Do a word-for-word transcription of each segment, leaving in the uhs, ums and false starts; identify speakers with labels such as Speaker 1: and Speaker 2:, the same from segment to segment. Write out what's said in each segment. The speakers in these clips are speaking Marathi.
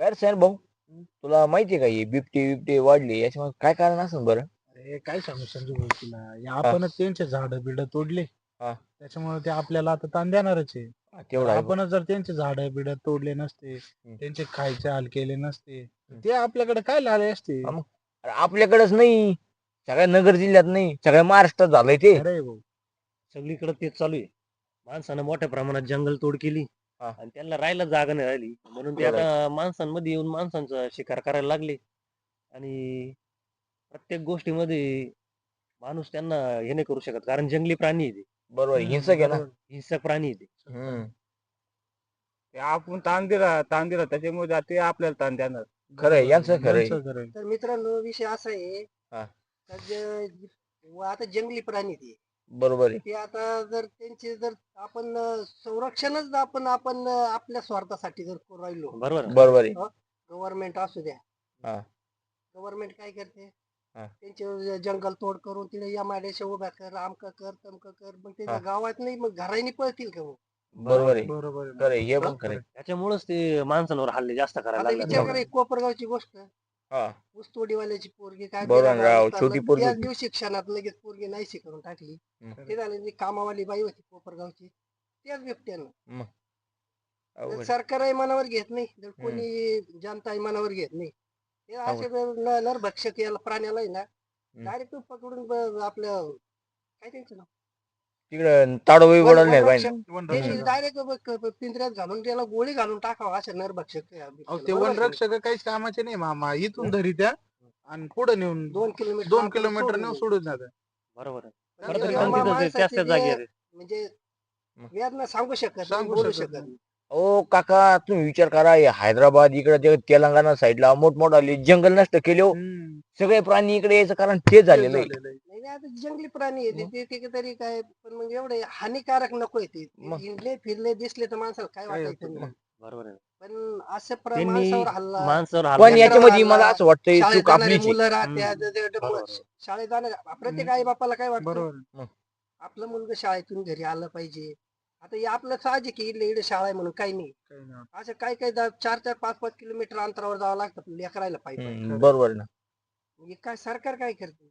Speaker 1: काय रे सैन भाऊ, तुला माहितीये का ही बिबटी बिबटी वाढली याच्यामध्ये काय कारण असेल बरं?
Speaker 2: अरे काय सांगू संजू भाऊ तुला, हे
Speaker 1: हा
Speaker 2: आपणच त्यांचे झाड बिड तोडले,
Speaker 1: हा
Speaker 2: त्याच्यामुळे ते आपल्याला आता ताण देणारच आहे.
Speaker 1: हा,
Speaker 2: जर
Speaker 1: तेवढं आहे बघ.
Speaker 2: आपणच जर त्यांचे झाड बिड तोडले नसते,
Speaker 1: हम्म,
Speaker 2: त्यांचे खायचे हाल केले नसते, तर
Speaker 1: हम्म.
Speaker 2: ते आपल्याकडे काय आले असते.
Speaker 1: हा मग अरे आपल्याकडेच नाही, सगळ्या नगर जिल्ह्यात नाही, सगळ्या महाराष्ट्रात झालंय ते.
Speaker 2: खरंय भाऊ.
Speaker 3: सगळीकडे तेच चालू आहे. माणसानं मोठ्या प्रमाणात जंगल तोड केली
Speaker 1: हा
Speaker 3: आणि त्यांना राहायला जागा नाही राहिली, म्हणून ते
Speaker 1: खरंय.
Speaker 3: आता माणसांमध्ये येऊन माणसांचा शिकार करायला लागले. आणि प्रत्येक गोष्टीमध्ये माणूस त्यांना हे नाही करू शकत, कारण जंगली प्राणी आहे ते,
Speaker 1: बरोबर आहे,
Speaker 2: हम्म,
Speaker 1: हिंसक आहे ना.
Speaker 2: बरोबर.
Speaker 3: हिंसक प्राणी आहे ते.
Speaker 1: हम्म
Speaker 4: ते आपण ताण दिला ताण दिला त्याच्यामुळे ते आपल्याला ताण देणार.
Speaker 1: खरंय,
Speaker 2: बरोबर
Speaker 1: यांचं
Speaker 2: आहे.
Speaker 1: खरंय.
Speaker 2: यांचं खरंय.
Speaker 5: तर मित्रांनो विषय असा आहे
Speaker 1: हा
Speaker 5: का जे- व आता जंगली प्राणी ते
Speaker 1: बरोबर आहे.
Speaker 5: ते आता जर त्यांचे जर आपण अं, संरक्षणच आपण आपण अं, आपल्या स्वार्थासाठी जर करू राहिलो
Speaker 3: बरोबर आहे.
Speaker 1: बरोबर आहे.
Speaker 5: गव्हर्नमेंट असू द्या,
Speaker 1: हा
Speaker 5: गव्हर्नमेंट काय करते
Speaker 1: हा
Speaker 5: त्यांचे जंगल तोड करून तिथे एमआयडीसी उभ्या कर, आमक कर तमक कर, मग
Speaker 1: हा
Speaker 5: त्याच्या गावात नाही मग घराने पळतील का मग?
Speaker 1: बरोबर आहे.
Speaker 2: बरोबर आहे.
Speaker 1: खरंय, हे पण
Speaker 5: हा?
Speaker 1: खरंय.
Speaker 3: त्याच्यामुळेच ते माणसांवर हल्ले जास्त करायला
Speaker 5: आता
Speaker 3: लागले.
Speaker 5: विचार करा एक कोपरगावची गोष्ट,
Speaker 1: हा
Speaker 5: ऊसतोडीवाल्याची पोरगी काय
Speaker 1: बरोबर
Speaker 5: बिना
Speaker 1: आहे राव,
Speaker 5: गावात
Speaker 1: छोटी
Speaker 5: चाललं,
Speaker 1: पोरगी
Speaker 5: त्याच
Speaker 1: होती.
Speaker 5: दिवशी क्षणात लगेच पोरगी नाहीशी करून टाकली.
Speaker 1: हम्म.
Speaker 5: ते झाले जी कामावाली बाई होती कोपरगावची, त्याच बिबट्यानं.
Speaker 1: मग
Speaker 5: तर
Speaker 1: अवघड.
Speaker 5: सरकारही मनावर घेत नाही, जर
Speaker 1: हम्म.
Speaker 5: कोणी जनताही मनावर घेत नाही. हे
Speaker 1: अवघड.
Speaker 5: असे न- नरभक्षक याला प्राण्याला आहे ना
Speaker 1: हम्म.
Speaker 5: डायरेक्ट पकडून ब- आपलं काय त्यांचं नाव
Speaker 1: तिकडं ताडोबी
Speaker 5: वन-
Speaker 1: बोलायला नाही
Speaker 5: वनरक्षक
Speaker 1: पाहिजे.
Speaker 2: वनरक्षक.
Speaker 1: हम्म.
Speaker 5: डायरेक्ट पिंजऱ्यात घालून त्याला गोळी घालून टाकावं असे नरभक्षक या
Speaker 2: अहो
Speaker 5: बिबट्याला.
Speaker 2: ते
Speaker 5: बरोबर की नाही?
Speaker 2: वनरक्षक काहीच कामाचे नाही मामा, इथून धरी त्या आणि पुढे नेऊन
Speaker 5: दोन किलोमीटर
Speaker 2: दोन
Speaker 5: आपल्याला
Speaker 2: किलोमीटर
Speaker 5: सोडून
Speaker 2: नेऊन
Speaker 5: देईल.
Speaker 2: सोडून जातात.
Speaker 3: बरोबर आहे.
Speaker 5: पण
Speaker 3: खरं
Speaker 5: ते
Speaker 3: तरी
Speaker 2: तेव्हा
Speaker 3: पण
Speaker 5: मा-
Speaker 3: तिथं ते त्याच
Speaker 5: माणसाचे
Speaker 3: त्याच
Speaker 5: जे
Speaker 3: जागी आहे.
Speaker 5: म्हणजे
Speaker 1: मग.
Speaker 5: वेदना सांगू शकत नाही,
Speaker 2: सांगू
Speaker 5: बोलू
Speaker 2: शकत
Speaker 5: शकत
Speaker 2: नाही.
Speaker 5: नाही.
Speaker 1: ओ काका, तुम्ही विचार करा, हे हैदराबाद इकडे ते तेलंगणा साईडला मोठमोठाले जंगल नष्ट केले हो.
Speaker 2: हम्म,
Speaker 1: सगळे प्राणी इकडे यायचं कारण तेच
Speaker 2: तेच
Speaker 1: झालेलं आहे.
Speaker 2: झालेलं आहे.
Speaker 5: नाही नाही, आता जंगली प्राणी आहे
Speaker 1: मग.
Speaker 5: ते ते तरी काय, पण मग एवढे हानिकारक नकोय ते. ते
Speaker 1: मग.
Speaker 5: हिंडले फिरले दिसले तर माणसाला काय
Speaker 2: काय
Speaker 5: वाटायचं
Speaker 2: होतं
Speaker 5: नाही.
Speaker 3: बरोबर आहे.
Speaker 5: पण असं प्र-
Speaker 3: त्यांनी
Speaker 5: माणसावर हल्ला,
Speaker 3: माणसावर
Speaker 1: पण
Speaker 3: हल्ला
Speaker 5: लेकरावर
Speaker 1: याच्यामध्ये
Speaker 5: हल्ला,
Speaker 1: मला असं वाटतंय
Speaker 5: शाळेत
Speaker 1: चूक
Speaker 5: जाणारे
Speaker 1: आपलीच आहे.
Speaker 5: मुलं राहत्या,
Speaker 2: हम्म,
Speaker 5: ज- ज- ज-
Speaker 3: बरोबर आहे.
Speaker 5: शाळेत जाणारे प्रत्येक आई बापाला काय वाटतं
Speaker 2: बरोबर आहे.
Speaker 5: आपलं मुलगा शाळेतून घरी आलं पाहिजे. आता हे आपलं साहजिक आहे, इकडे इकडे शाळा आहे म्हणून काही नाही.
Speaker 2: काही नाही.
Speaker 5: असं काही काही दा- चार चार पाच पाच किलोमीटर अंतरावर जावं लागतं लेकरायला पायी पायी.
Speaker 1: हम्म, बरोबर आहे ना.
Speaker 5: हे काय सरकार काय करते?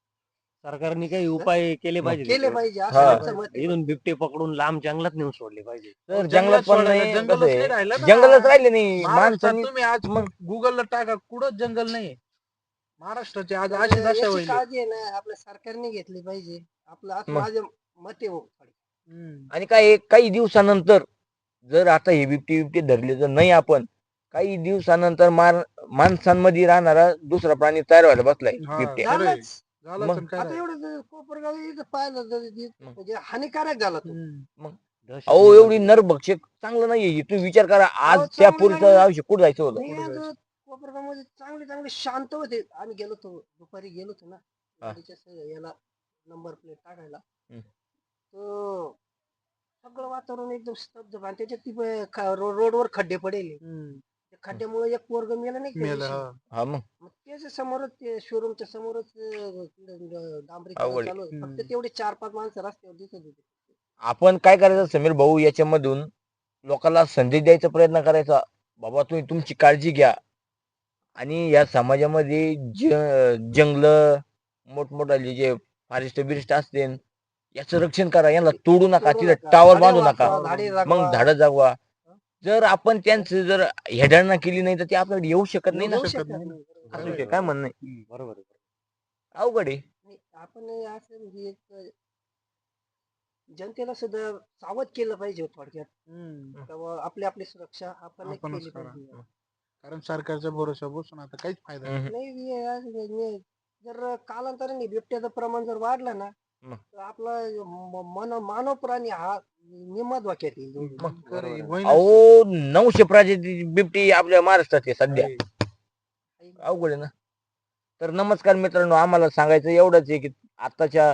Speaker 3: सरकारने काही उपाय केले पाहिजे
Speaker 5: केले
Speaker 3: त्याच्यावर.
Speaker 5: पाहिजे
Speaker 1: हा.
Speaker 5: असं आमचं मत आहे.
Speaker 3: इथून बिबटे पकडून लांब जंगलात नेऊन सोडले पाहिजे.
Speaker 1: तर
Speaker 2: अहो,
Speaker 1: जंगलात
Speaker 2: जंगलात
Speaker 1: पण
Speaker 2: सोडायला
Speaker 1: नाही,
Speaker 2: जंगलच
Speaker 1: कसं
Speaker 2: नाही
Speaker 1: आहे,
Speaker 2: राहिलं ना.
Speaker 1: जंगलच राहिले नाही
Speaker 2: महाराष्ट्रात
Speaker 1: माणसांनी.
Speaker 2: तुम्ही आज
Speaker 1: मग
Speaker 2: गुगलला टाका, कुठंच जंगल नाही. महाराष्ट्राचे आज
Speaker 5: तर
Speaker 2: अशी दशा
Speaker 5: याची
Speaker 2: होईल.
Speaker 5: काळजी आहे ना आपल्या सरकारने घेतली पाहिजे. आपलं असं
Speaker 1: मग.
Speaker 5: माझं मत आहे हो.
Speaker 2: हम्म,
Speaker 1: आणि काय काही दिवसानंतर जर आता हे बिबटी बिबटी धरले तर नाही, आपण काही दिवसानंतर मार माणसांमध्ये राहणारा दुसरा प्राणी तयार व्हायला बसलाय,
Speaker 2: हा,
Speaker 1: बिबट्या.
Speaker 2: खरंय.
Speaker 5: झालंच.
Speaker 2: झालं
Speaker 1: मग.
Speaker 2: तर काय
Speaker 5: आता
Speaker 2: राहिलं.
Speaker 5: एवढं जर कोपरगाव इथं पाहिलं तर ते
Speaker 1: मग.
Speaker 5: म्हणजे हानिकारक झाला तो.
Speaker 2: हम्म,
Speaker 3: दहशत
Speaker 1: अहो
Speaker 3: निर्माण
Speaker 1: एवढी
Speaker 3: झाली.
Speaker 1: नरभक्षक चांगलं नाहीये. तुम्ही विचार करा, आज
Speaker 5: अहो,
Speaker 1: त्या
Speaker 5: चांगलं
Speaker 1: पोरीचं
Speaker 5: चांगलं
Speaker 1: आयुष्य कुठं जायचं होतं.
Speaker 5: मी
Speaker 2: पुढे
Speaker 5: आज
Speaker 2: जायचं.
Speaker 5: कोपरगाव मध्ये चांगले चांगले शांत होते. आम्ही गेलो होतो दुपारी गेलो होतो ना
Speaker 1: हा.
Speaker 5: गाडीच्या स- याला नंबर प्लेट टाकायला.
Speaker 1: हम्म.
Speaker 5: तो सगळं वातावरण एकदम स्तब्ध आणि त्याच्यात ती ब- ख- रो- रोडवर खड्डे पडेल.
Speaker 2: हम्म,
Speaker 5: त्या खड्ड्यामुळे एक पोरग मेलं नाही का त्या
Speaker 2: मेलं,
Speaker 5: दिवशी?
Speaker 2: हा.
Speaker 1: हा मग
Speaker 5: मग त्याच्या समोरच ते शोरूमच्या समोरच अं, तिकडं डांबरीकरण
Speaker 1: अवघड आहे.
Speaker 5: चालू होतं. फक्त
Speaker 2: हम्म.
Speaker 5: तेवढे चार पाच माणसं रस्त्यावर दिसत होते.
Speaker 1: आपण काय करायचं समीर भाऊ, याच्यामधून लोकांना संदेश द्यायचा प्रयत्न करायचा, बाबा तुम्ही तुमची काळजी घ्या आणि या समाजामध्ये ज जंगल मोठमोठाले जे फॉरेस्ट बिरिस्ट असते याचं रक्षण करा. यांना तोडू नका,
Speaker 5: तोडू
Speaker 1: तिथे
Speaker 5: नका,
Speaker 1: टावर
Speaker 5: झाडे
Speaker 1: बांधू नका.
Speaker 5: वाचवा,
Speaker 2: टावर
Speaker 5: झाडे
Speaker 2: बांधू.
Speaker 5: जगवा.
Speaker 1: मग झाडं जागवा. जर आपण त्यांचं जर हेडळणा केली नाही तर ते आपल्याकडे येऊ शकत नाही ना.
Speaker 5: येऊ
Speaker 2: शकत
Speaker 5: शकत
Speaker 2: नाही ना.
Speaker 5: नाही. बरोबर.
Speaker 1: असं
Speaker 3: बरोबर
Speaker 1: विषय
Speaker 3: आहे,
Speaker 1: काय
Speaker 3: बरोबर
Speaker 1: म्हणणं आहे?
Speaker 3: आहे. हम्म, बरोबर आहे.
Speaker 1: अवघड आहे.
Speaker 5: नाही, आपण असं म्हणजे एक जनतेला सुद्धा सावध केलं पाहिजे थोडक्यात.
Speaker 2: हम्म,
Speaker 5: तेव्हा आपली आपली सुरक्षा आपण
Speaker 2: आपणच
Speaker 5: केली
Speaker 2: करा.
Speaker 5: पाहिजे.
Speaker 2: कारण सरकारच्या भरोशा बसून आता काहीच फायदा नाही.
Speaker 1: हम्म.
Speaker 5: नाही हे असं नाही. जर कालांतराने बिबट्याचं प्रमाण जर वाढलं ना
Speaker 1: मग.
Speaker 5: तर आपला म- मन मानव प्राणी हा निम्मा धोक्यात येईल.
Speaker 1: मग.
Speaker 2: खरं
Speaker 3: बरोबर
Speaker 2: आहे,
Speaker 3: आहे.
Speaker 2: होईनच.
Speaker 1: अहो नऊशे प्रजाती बिबटी आपल्या महाराष्ट्रात आहे सध्या.
Speaker 2: आहे.
Speaker 1: अवघड आहे ना. तर नमस्कार मित्रांनो, आम्हाला सांगायचं एवढंच आहे की आताच्या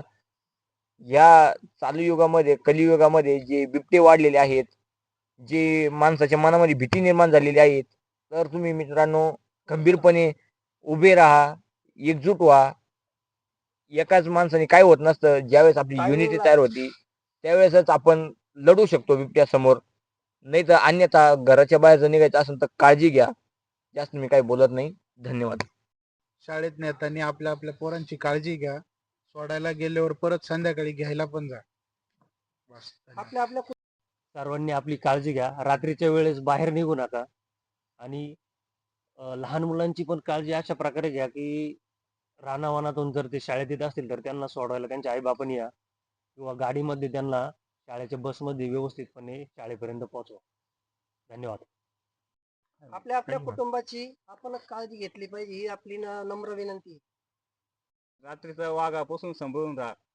Speaker 1: या चालू युगामध्ये, कलियुगामध्ये जे बिबटे वाढलेले आहेत, जे माणसाच्या मनामध्ये भीती निर्माण झालेली आहेत, तर तुम्ही मित्रांनो खंबीरपणे उभे राहा, एकजूट व्हा. एकाच माणसाने काय होत नसतं. ज्यावेळेस आपली युनिटी
Speaker 5: Timing ला-
Speaker 1: तयार होती त्यावेळेसच आपण लढू शकतो बिबट्यासमोर. नाही तर अन्यथा घराच्या बाहेर जर निघायचं असेल तर काळजी घ्या. जास्त मी काही बोलत नाही. धन्यवाद.
Speaker 2: शाळेत नेताना आपल्या आपल्या पोरांची काळजी घ्या. सोडायला गेल्यावर परत संध्याकाळी घ्यायला पण जा. बस.
Speaker 5: आपल्या आपल्या
Speaker 3: सर्वांनी आपली काळजी घ्या. रात्रीच्या वेळेस बाहेर निघू नका आणि अ, लहान मुलांची पण काळजी अशा प्रकारे घ्या की रानावनातून जर ते शाळेत येत असतील तर त्यांना सोडवायला त्यांच्या आईबापांनी या किंवा गाडीमध्ये त्यांना शाळेच्या बसमध्ये व्यवस्थितपणे शाळेपर्यंत पोहोचवा. धन्यवाद.
Speaker 5: आपल्या आपल्या
Speaker 2: धन्यवाद.
Speaker 5: कुटुंबाची आपणच काळजी घेतली पाहिजे ही आपली न- नम्र विनंती आहे.
Speaker 4: रात्रीचं वाघापासून सांभाळून राहा.